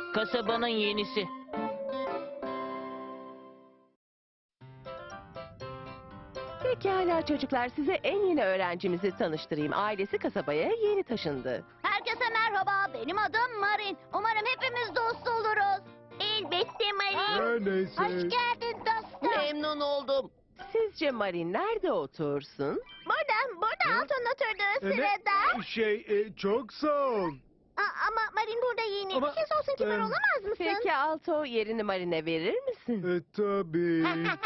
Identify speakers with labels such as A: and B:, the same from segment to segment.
A: Kasabanın yenisi.
B: Pekala çocuklar, size en yeni öğrencimizi tanıştırayım. Ailesi kasabaya yeni taşındı.
C: Herkese merhaba, benim adım Marin. Umarım hepimiz dost oluruz. Elbette Marin.
D: Her neyse.
C: Hoş geldin dostum.
A: Memnun oldum.
B: Sizce Marin nerede otursun?
C: Burada Alton oturduğu sırada.
D: Çok sağ ol.
C: Ama Marin burada yeni.
D: Ama,
C: Siz olsun kibar
D: em,
C: olamaz mısın?
B: Peki Alto, yerini Marin'e verir misin?
D: Tabii.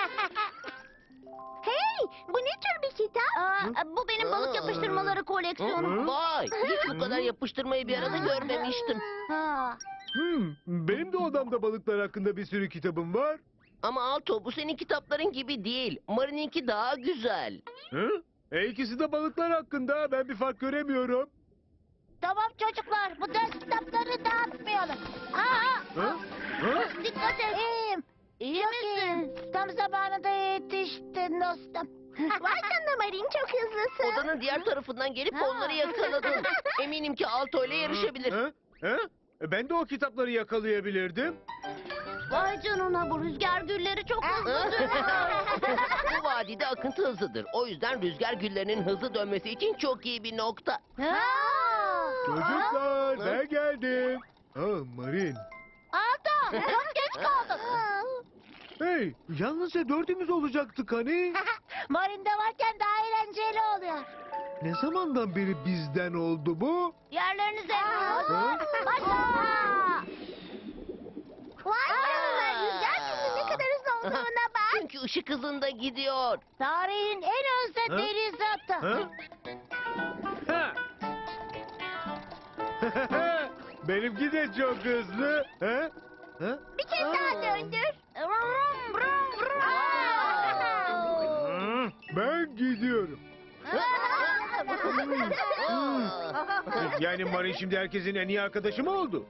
C: Hey, bu ne tür bir kitap? Bu benim balık yapıştırmaları koleksiyonum.
A: Vay, hiç bu kadar yapıştırmayı bir arada görmemiştim.
C: Ha.
D: Benim de odamda balıklar hakkında bir sürü kitabım var.
A: Ama Alto, bu senin kitapların gibi değil. Marin'inki daha güzel.
D: İkisi de balıklar hakkında. Ben bir fark göremiyorum.
C: Tamam çocuklar, bu ders kitapları dağıtmayalım.
D: Ha?
C: Dikkat et. İyi misin? Tam zamanında yetiştin dostum. Vay canına Marin, çok hızlısın.
A: Odanın diğer tarafından gelip onları yakaladım. Eminim ki Alto ile yarışabilir.
D: Ha? Ben de o kitapları yakalayabilirdim.
C: Vay canına, bu rüzgar gülleri çok hızlı dönüyor.
A: Bu vadide akıntı hızlıdır. O yüzden rüzgar güllerinin hızlı dönmesi için çok iyi bir nokta.
D: Çocuklar ben geldim. Marin.
C: Alto, çok geç kaldın.
D: Hey, yalnızca dördümüz olacaktık hani.
C: Marin'de varken daha eğlenceli oluyor.
D: Ne zamandan beri bizden oldu bu?
C: Yerlerinize.
D: Ha?
C: Başla. Vay canına, rüzgar gülünün ne kadar hızlı olduğuna bak.
A: Çünkü ışık hızında gidiyor.
C: Tarihin en hızlı
D: Ha?
C: deniz atı.
D: Ha? Ha? Benimki de çok hızlı. Ha? Ha?
C: Bir kez daha döndür. Vrum, vrum, vrum.
D: Ben gidiyorum. Yani Marin şimdi herkesin en iyi arkadaşı mı oldu?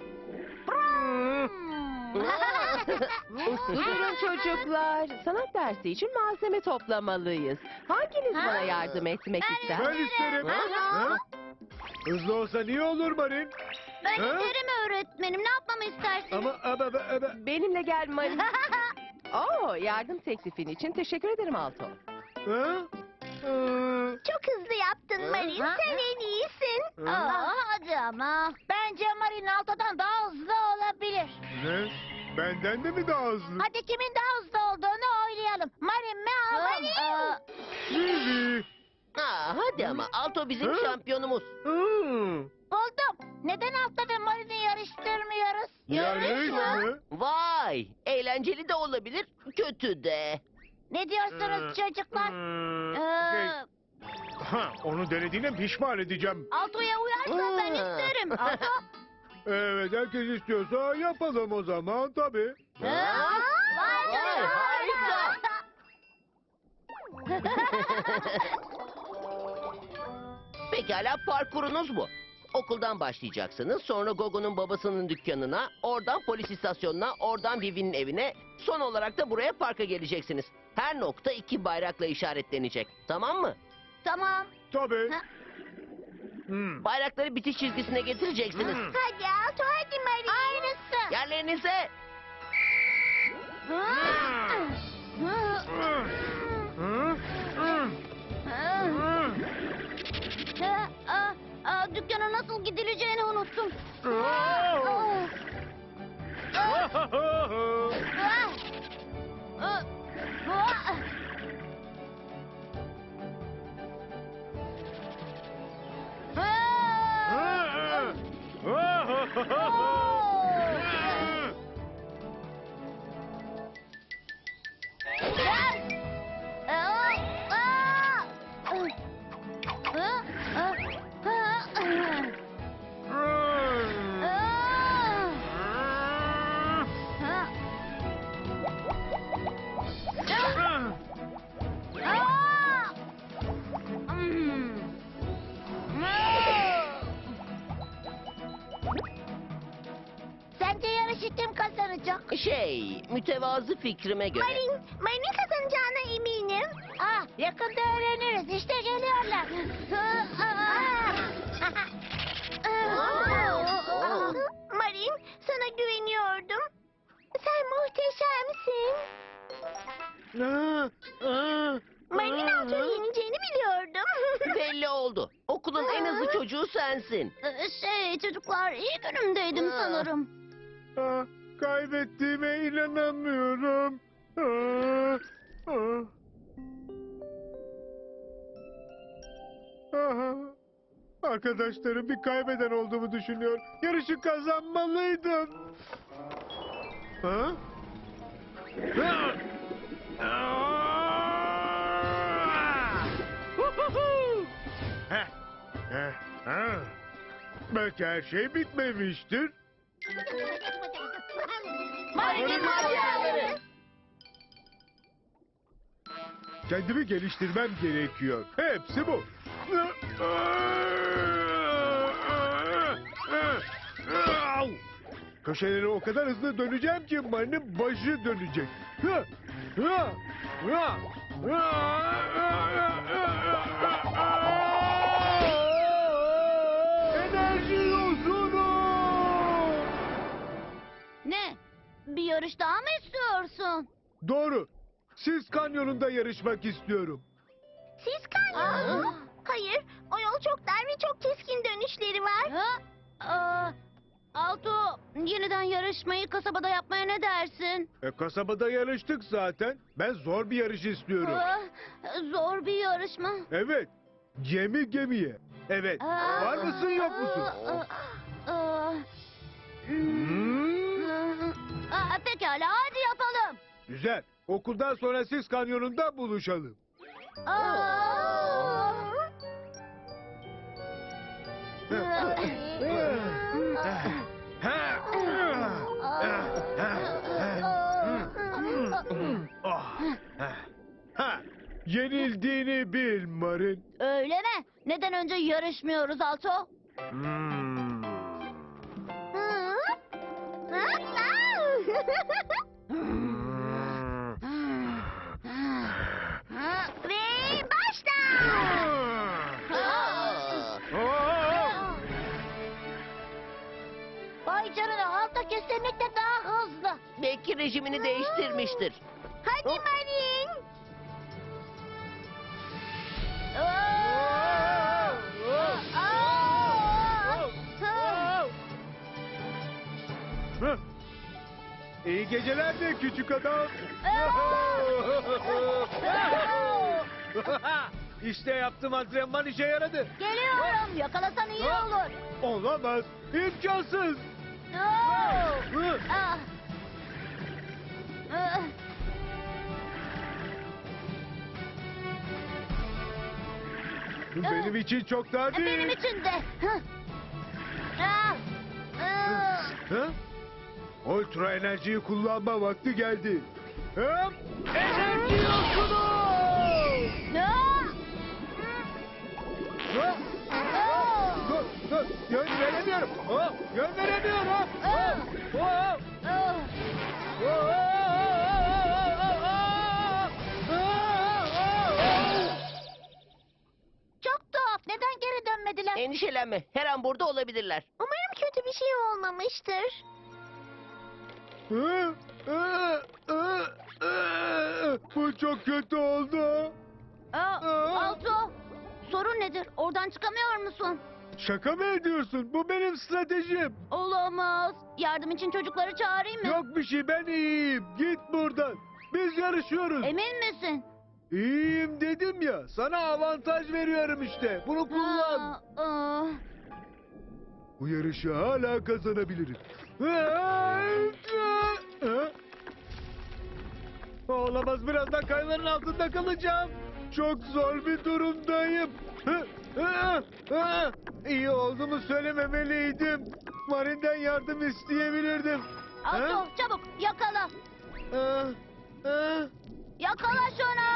B: Durun çocuklar, sanat dersi için malzeme toplamalıyız. Hanginiz bana yardım etmek ister?
D: Ben isterim. Ha? Hızlı olsa niye olur Marin?
C: Ben
D: Ha?
C: isterim öğretmenim. Ne yapmamı istersin?
D: Ama.
B: Benimle gel Marin. Yardım teklifin için teşekkür ederim Alto.
D: Ha?
C: Çok hızlı yaptın Marin. Sen en iyisin. Hadi ama. Bence Marin Alto'dan daha hızlı olabilir.
D: Ne? Benden de mi daha hızlı?
C: Hadi kimin daha hızlı olduğunu oylayalım. Marin mi? Marin.
D: Vivi.
A: Hadi ama Alto bizim
D: Ha?
A: şampiyonumuz.
C: Buldum. Neden Alto ve Marin'i yarıştırmıyoruz?
D: Yarış mı?
A: Vay, eğlenceli de olabilir, kötü de.
C: Ne diyorsunuz çocuklar?
D: Onu denediğine pişman edeceğim.
C: Alto'ya uyarsan ben isterim. Alto.
D: Evet, herkes istiyorsa yapalım o zaman tabii.
C: Vay
A: harika. Pekala, parkurunuz bu. Okuldan başlayacaksınız, sonra Gogo'nun babasının dükkanına, oradan polis istasyonuna, oradan Vivi'nin evine, son olarak da buraya parka geleceksiniz. Her nokta 2 bayrakla işaretlenecek, tamam mı?
C: Tamam.
D: Tabii.
C: Ha.
A: Bayrakları bitiş çizgisine getireceksiniz.
C: Hadi Alto, hadi Marin. Aynısı.
A: Yerlerinize.
C: Dükkana nasıl gidileceğini unuttum. Sence yarışı kim kazanacak?
A: Mütevazı fikrime göre.
C: Marin'in kazanacağına eminim. Yakında öğreniriz. İşte geliyorlar. Marin, sana Marin Alto'yu yeneceğini biliyordum.
A: Belli oldu. Okulun en hızlı çocuğu sensin.
C: Çocuklar iyi günümdeydim sanırım.
D: Kaybettiğime inanamıyorum. Arkadaşlarım bir kaybeden olduğumu düşünüyor. Yarışı kazanmalıydım. Ha? Belki her şey bitmemiştir.
C: Marin'in maceraları.
D: Kendimi geliştirmem gerekiyor. Hepsi bu. Köşeleri o kadar hızlı döneceğim ki Mari'nin başı dönecek. Enerji yosunu!
C: Ne? Bir yarış daha mı istiyorsun?
D: Doğru. Siz kanyonunda yarışmak istiyorum.
C: Siz kanyonu mu? Hayır, o yol çok dar ve çok keskin dönüşleri var. Alto, yeniden yarışmayı kasabada yapmaya ne dersin?
D: Kasabada yarıştık zaten. Ben zor bir yarış istiyorum.
C: Zor bir yarış mı?
D: Evet. Gemi gemiye. Evet. Var mısın yok musun?
C: Pekala, hadi yapalım.
D: Güzel. Okuldan sonra siz kanyonunda buluşalım. Yenildiğini bil Marin.
C: Öyle mi? Neden önce yarışmıyoruz Alto? Ve başla! Vay canına, Alto kesinlikle daha hızlı.
A: Belki rejimini değiştirmiştir.
C: Hadi Marin!
D: İyi geceler de küçük adam. İşte yaptığım antrenman işe yaradı.
C: Geliyorum, yakalasan iyi olur.
D: Olamaz. İmkansız. Benim için çok daha değil.
C: Benim için de.
D: Ha? Ultra enerjiyi kullanma vakti geldi. Hop! Enerji yosunu! Yön veremiyorum. Yön veremiyorum.
C: Çok tuhaf. Neden geri dönmediler?
A: Endişelenme. Her an burada olabilirler.
C: Umarım kötü bir şey olmamıştır.
D: Bu çok kötü oldu.
C: Alto, sorun nedir? Oradan çıkamıyor musun?
D: Şaka mı ediyorsun? Bu benim stratejim.
C: Olamaz. Yardım için çocukları çağırayım mı?
D: Yok bir şey, ben iyiyim. Git buradan. Biz yarışıyoruz.
C: Emin misin?
D: İyiyim dedim ya. Sana avantaj veriyorum işte. Bunu kullan. Bu yarışı hala kazanabilirim. Olamaz, birazdan kayaların altında kalacağım. Çok zor bir durumdayım. İyi olduğumu söylememeliydim. Marin'den yardım isteyebilirdim.
C: Alto, çabuk yakala. Yakala şunu.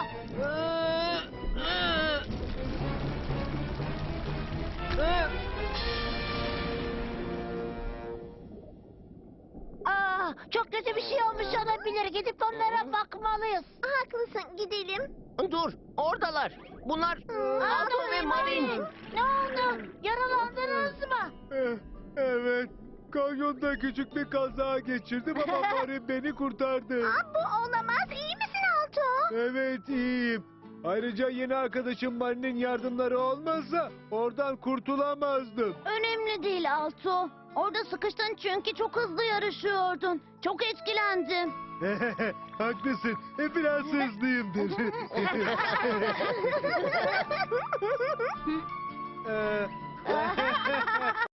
C: Çok kötü bir şey olmuş olabilir. Gidip onlara bakmalıyız. Haklısın, gidelim.
A: Dur, oradalar. Bunlar Alto ve Marin.
C: Ne oldu? Yaralandınız mı?
D: Evet. Kanyonda küçük bir kaza geçirdim ama Marin beni kurtardı.
C: Bu olamaz. İyi misin
D: Evet iyiyim. Ayrıca yeni arkadaşım Mari'nin yardımları olmazsa oradan kurtulamazdım.
C: Önemli değil Alto. Orada sıkıştın çünkü çok hızlı yarışıyordun. Çok etkilendim.
D: Haklısın. Biraz hızlıyımdır.